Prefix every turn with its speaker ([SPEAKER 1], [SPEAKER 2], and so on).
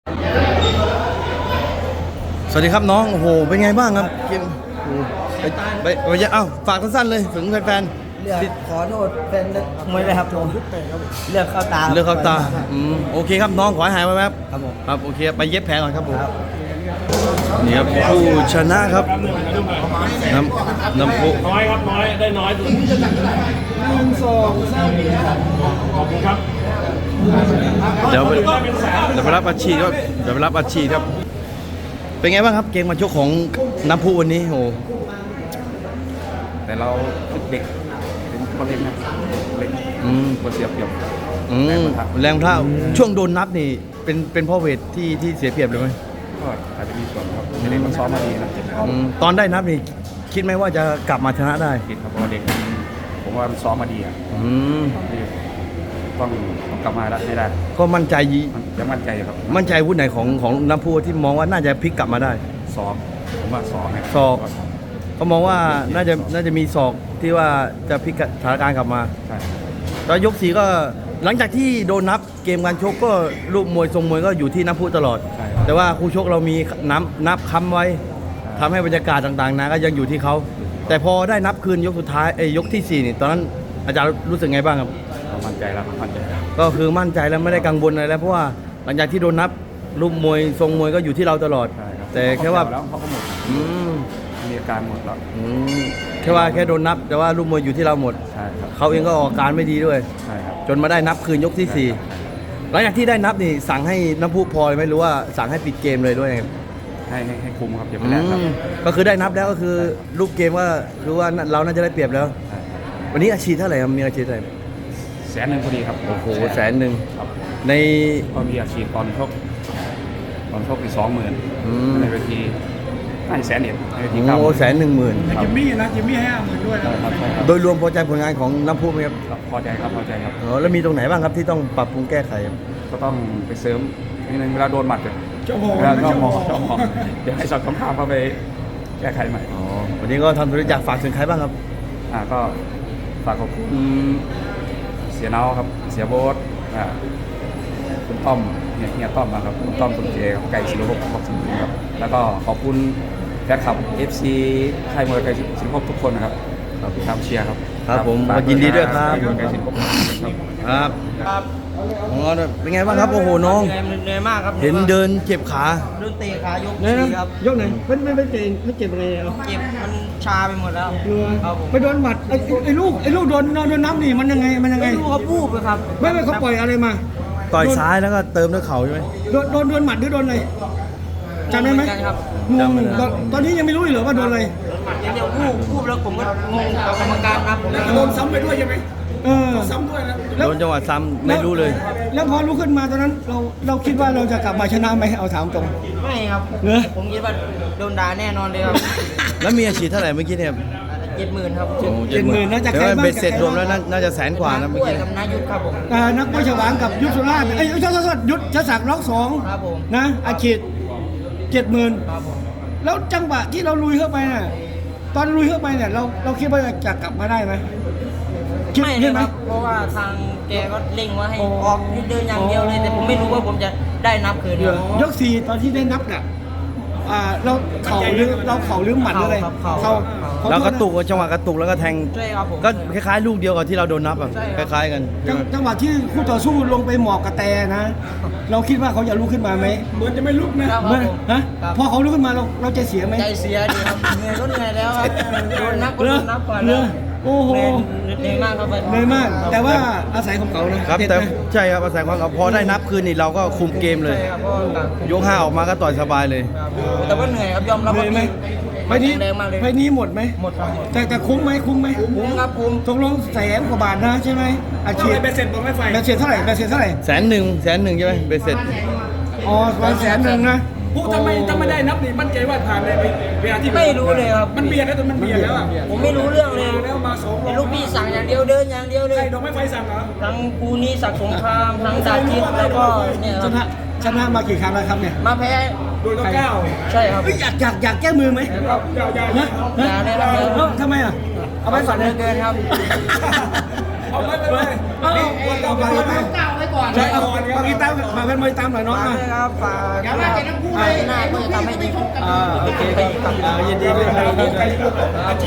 [SPEAKER 1] สวัสดีครับน้องโอ้โหเป็นไงบ้างครับเกมไปเอ้าฝากสั้นๆเลยถึงแฟน
[SPEAKER 2] เลือกขอโทษเป็นมวยเลยครับผมเลือกเข้าตา
[SPEAKER 1] ๆเลือกเข้าตาโอเคครับน้องขอให้หายไวๆครับ
[SPEAKER 2] ครับผม
[SPEAKER 1] ครับโอเคไปเย็บแผลก่อนครับผมนี่ครับผู้ชนะครับน้ำพุ
[SPEAKER 3] น้อยครับน้อยได้น้อยสุดขอบคุณครับ
[SPEAKER 1] เดี๋ยวไปรับอาชีพครับเดี๋ยวไปรับอาชีพครับเป็นไงบ้างครับเกมมาชกของน้ำพุวันนี้โอ้
[SPEAKER 4] แต่เราเด็กเป็นคนเล็กนะเล็กคนเสียเปรียบ
[SPEAKER 1] แรงเท่าช่วงโดนนับนี่เป็นพ่อเวทที่เสียเปรียบเลยไหม
[SPEAKER 4] ก็อาจจะมีส่วนครับเด็กมันซ้อมมาดีนะ
[SPEAKER 1] ตอนได้นับนี่คิดไหมว่าจะกลับมาชนะได้
[SPEAKER 4] คิดครับเพราะเด็กผมว่ามันซ้อมมาดีอ่ะต้องกลับมาให้ได้
[SPEAKER 1] ก็มั่นใจ
[SPEAKER 4] ยังมั่นใจครับ
[SPEAKER 1] มั่นใจวุฒิไหนของน้ำพุที่มองว่าน่าจะพลิกกลับมาได้
[SPEAKER 4] ซ้อมผมว่าซ้อม
[SPEAKER 1] ศอก ก็มองว่าน่าจะมีศอกที่ว่าจะพลิกสถานการณ์กลับมา
[SPEAKER 4] ใช่
[SPEAKER 1] แล้วยก4ก็หลังจากที่โดนนับเกมการชกก็รูปมวยทรงมวยก็อยู่ที่น้ำพุตลอด แต่ว่าคู่ชกเรามีนับค้ำไว้ทำให้บรรยากาศต่างๆนะก็ยังอยู่ที่เขาแต่พอได้นับคืนยกสุดท้ายยกที่4นี่ตอนนั้นอาจารย์รู้สึกไงบ้างครับ
[SPEAKER 4] มั่นใจแล้วมั่นใจแล้ว
[SPEAKER 1] ก็คือมั่นใจแล้วไม่ได้กังวลอะไรแล้วเพราะว่าหลังจากที่โดนนับรูปมวยทรงมวยก็อยู่ที่เราตลอด แต่แค่ว่า
[SPEAKER 4] แล้วเขาก็หมดมีอาการหมดแล้ว
[SPEAKER 1] แค่โดนนับแต่ว่ารูปมวยอยู่ที่เราหมด
[SPEAKER 4] ใช่ครับ
[SPEAKER 1] เขาเองก็ออกอาการไม่ดีด้วย
[SPEAKER 4] ใช่ครับ
[SPEAKER 1] จนมาได้นับคืนยกที่4หลังจากที่ได้นับนี่สั่งให้น้ำพุพลอยไหมหรือว่าสั่งให้ปิดเกมเลยด้วยครับ
[SPEAKER 4] ให้คุมครับอย่าไปแลกครับ
[SPEAKER 1] ก็คือได้นับแล้วก็คือรูปเกมว่าคือว่าเราน่าจะได้เปรียบแล้ว วันนี้อาชีพเท่าไหร่ครับมีอาชีพเท่าไหร่
[SPEAKER 4] 100,000พอดีครับ
[SPEAKER 1] โอ้โห100,000
[SPEAKER 4] ครับ
[SPEAKER 1] ใน
[SPEAKER 4] ก็มีอาชีพตอนชกอีก20,000ในเวทีน่าจะ100,000ในเวที
[SPEAKER 1] โอ้110,000
[SPEAKER 3] จิมมี่นะจิมมี่ให้50,000ด้วยนะ
[SPEAKER 4] ครับ
[SPEAKER 1] โดยรวมพอใจผลงานของน้ำพุไหมครับ
[SPEAKER 4] พอใจครับพอใจครับ
[SPEAKER 1] แล้วมีตรงไหนบ้างครับที่ต้องปรับปรุงแก้ไขครับ
[SPEAKER 4] ก็ต้องไปเสริมนิดนึงเวลาโดนหมัด
[SPEAKER 3] เจ้าโห
[SPEAKER 4] เวลาก็มองเดี๋ยวให้สอดคำถามเข้าไปแก้ไขใหม่
[SPEAKER 1] วันนี้ก็ทำธุรกิจฝากถึงใครบ้างครับ
[SPEAKER 4] ก็ฝากขอบคุณเสียเนาครับเสียโบ๊ทคุณต้อมเฮียต้อมนะครับคุณต้อมคุณเจครับไก่ศิลปภพบอกสิงห์ครับแล้วก็ขอบคุณแฟนคลับ FC ค่ายมวยไก่ศิลปภพทุกคนนะครับที่ทำเชียร์ครับ
[SPEAKER 1] ครับผม
[SPEAKER 4] ฝาก
[SPEAKER 1] ยินดีด้วยครับ
[SPEAKER 4] ไก่ศิลปภพครับ
[SPEAKER 1] ครับเป็นไงบ้างครับโอ้โหน้อง
[SPEAKER 2] เหนื่อยมากครับ
[SPEAKER 1] เห็นเดินเจ็บขา
[SPEAKER 2] โดนเตะขายก4ครับ
[SPEAKER 3] ยกไหนไม่เจ็บไม่เจ็บอะไรอ่ะ
[SPEAKER 2] เจ็บมันชาไปหมดแล้วครับผม
[SPEAKER 3] ไปโดนหมัดไอ้ลูกโดนน้ำนี่มันยังไง
[SPEAKER 2] ไม่รู้เขาพูดเลยครับ
[SPEAKER 3] ไม่เขาปล่อยอะไรมา
[SPEAKER 1] ต่อยซ้ายแล้วก็เติมด้วยเข่าใช่ไหม
[SPEAKER 3] โดนหมัดหรือโดนอะไรจำได้ไหม
[SPEAKER 2] ครับ
[SPEAKER 3] งงตอนนี้ยังไม่รู้เหรอว่าโดนอะไร
[SPEAKER 2] เดี๋ยวพูดแล้วผมก็งงกับกรรมการนะผม
[SPEAKER 3] โดนซ้ำไปด้วยใช่ไหมซ้ำด้วยนะ
[SPEAKER 1] โดนจังหวะซ้ำไม่รู้เลย
[SPEAKER 3] แล้วพอลุกขึ้นมาตอนนั้นเราคิดว่าเราจะกลับมาชนะไหมเอาถามตรง
[SPEAKER 2] ไม่ครับ
[SPEAKER 3] เหรอ
[SPEAKER 2] ผมคิดว่าโดนด่าแน่นอนเลยครับ
[SPEAKER 1] แล้วมีอาชีพเท่าไหร่เมื่อกี้เนี่ย
[SPEAKER 2] 70,000ครับ
[SPEAKER 3] 70,000น่าจะ
[SPEAKER 1] แต่
[SPEAKER 3] ใคร
[SPEAKER 1] ว่า
[SPEAKER 3] บ้าง
[SPEAKER 1] เบ็ดเสร็จรวมแล้วน่าจะ100,000 กว่านะเมื่อ
[SPEAKER 2] ด้วย
[SPEAKER 1] กี้
[SPEAKER 2] กับนายุทธครับผม
[SPEAKER 3] นักมวยฉวางกับยุทธสุราษฎร์ยุทธศักดิ์ล็อก2
[SPEAKER 2] ครับผม
[SPEAKER 3] นะอาชีพ70,000
[SPEAKER 2] ครับผม
[SPEAKER 3] แล้วจังหวะที่เราลุยเข้าไปน่ะตอนลุยเข้าไปเนี่ยเราคิดว่าจะกลับมาได้ไหมคิด
[SPEAKER 2] ไม่
[SPEAKER 3] ใช่
[SPEAKER 2] นะ
[SPEAKER 3] ไหม
[SPEAKER 2] ครับ เพราะว่าทางแกก็เร่งว่าให้ออกให้เดินอย่างเดียวเลย แต่ผมไม่รู้ว่าผมจะได้นับคืนครับ
[SPEAKER 3] ยก4ตอนที่ได้นับเนี่ยเราเข่าหรือหมัดหรืออะไร
[SPEAKER 2] เข่า
[SPEAKER 1] แล้วกระตุกจังหวะกระตุกแล้วก็แทง
[SPEAKER 2] ใช่ครับผม
[SPEAKER 1] ก็คล้ายๆลูกเดียวกับที่เราโดนนับอ่ะ
[SPEAKER 2] ใช่
[SPEAKER 1] ค
[SPEAKER 2] ครับ
[SPEAKER 1] ล้ายๆกันใช่ไหม
[SPEAKER 3] จังหวะที่คู่ต่อสู้ลงไปหมอบกระแตนะ เราคิดว่าเขาจะลุกขึ้นมาไหมเหมือนจะไม่ลุกนะครับ
[SPEAKER 2] ผม
[SPEAKER 3] ฮะ
[SPEAKER 2] ครับ
[SPEAKER 3] พอเขาลุกขึ้นมาเราจะเสียไหม
[SPEAKER 2] ใจเสียดีครับเหนื่อยก็เหนื่อยแล้วครับโดนนับก็
[SPEAKER 3] เหร
[SPEAKER 2] โด
[SPEAKER 3] อน
[SPEAKER 2] นับก่อน
[SPEAKER 3] เหร
[SPEAKER 2] แล้
[SPEAKER 3] อ
[SPEAKER 2] ว
[SPEAKER 3] โอ้โห
[SPEAKER 2] เหนื่อยมากครับ
[SPEAKER 3] เหนื่อยมาก แต่ว่าอาศัยของเขานะครับ เด็ด
[SPEAKER 1] แต่
[SPEAKER 3] นะ
[SPEAKER 1] ใช่ครับอาศัยความเอาพอได้นับคืนนี่เราก็คุมเกมเลย
[SPEAKER 2] ใช่ครับเพราะว่าต่าง
[SPEAKER 1] ยก 5ออกมาก็ต่อยสบายเลย
[SPEAKER 2] ครับแต่ว่าเหนื่อยครับยอมรับ
[SPEAKER 3] เหนื่
[SPEAKER 2] ว่า
[SPEAKER 3] อยไหมไปนี้
[SPEAKER 2] แรงมากเลย
[SPEAKER 3] ไปนี้หมดไหม
[SPEAKER 2] หมดครับหมด
[SPEAKER 3] แต่คุ้มไหม
[SPEAKER 2] คุ้มครับคุ้ม
[SPEAKER 3] ตกลง100,000 กว่าบาทนะใช่ไหมอาชีพเบสเซ็ตบอกไม่ไฟเบสเซ็ตเท่าไหร่เบสเซ็ตเท่าไหร่
[SPEAKER 1] 100,000ใช่ไหมเบ็ดเสร็จ
[SPEAKER 3] อ๋อ100,000นะ
[SPEAKER 5] พูดถ้าไม่ได้นับนี่มั่นใจว่าผ่านเลยเวลาที่
[SPEAKER 2] ไม่รู้เลยครับ
[SPEAKER 5] มันเบียดแล้วแต่มันเบียดแล้วอ่ะ
[SPEAKER 2] ผมไม่รู้เรื่องเลย
[SPEAKER 5] แล้วมา2
[SPEAKER 2] แต่ลูกพี่สั่งอย่างเดียวเดินอย่างเดียวเลย
[SPEAKER 5] ใช่ดอกไม้ไฟสั่งเหรอ
[SPEAKER 2] ทั้งกูนี่ศักดิ์สงครามทั้งดาทิพย์แล้วก็เนี่ยค
[SPEAKER 3] ช
[SPEAKER 2] รับ
[SPEAKER 3] นะมากี่ครั้งแล้วครับเนี่ย
[SPEAKER 2] มาแพ้
[SPEAKER 5] โดยก็9
[SPEAKER 2] ใช่ครับ
[SPEAKER 3] เอ้ยอยากแก้มือไหม
[SPEAKER 5] อย่า
[SPEAKER 3] นะ
[SPEAKER 2] อย่าเลยครับ
[SPEAKER 3] ทำไมอ่ะเอาไป
[SPEAKER 2] ฝั
[SPEAKER 3] ฝั
[SPEAKER 2] น
[SPEAKER 3] น
[SPEAKER 2] เห
[SPEAKER 3] เล
[SPEAKER 2] ลื
[SPEAKER 3] ย
[SPEAKER 2] อเกินครับ
[SPEAKER 5] เอาไป
[SPEAKER 3] เอาไปใช่เอาฝากติดตามฝากแฟนมวยตามหน่อยน้อง
[SPEAKER 2] ฝาก
[SPEAKER 3] นะ
[SPEAKER 2] ด้วยครับฝากหน้าก็จะทำให้ดี
[SPEAKER 3] โอเคครับยินดีด้วย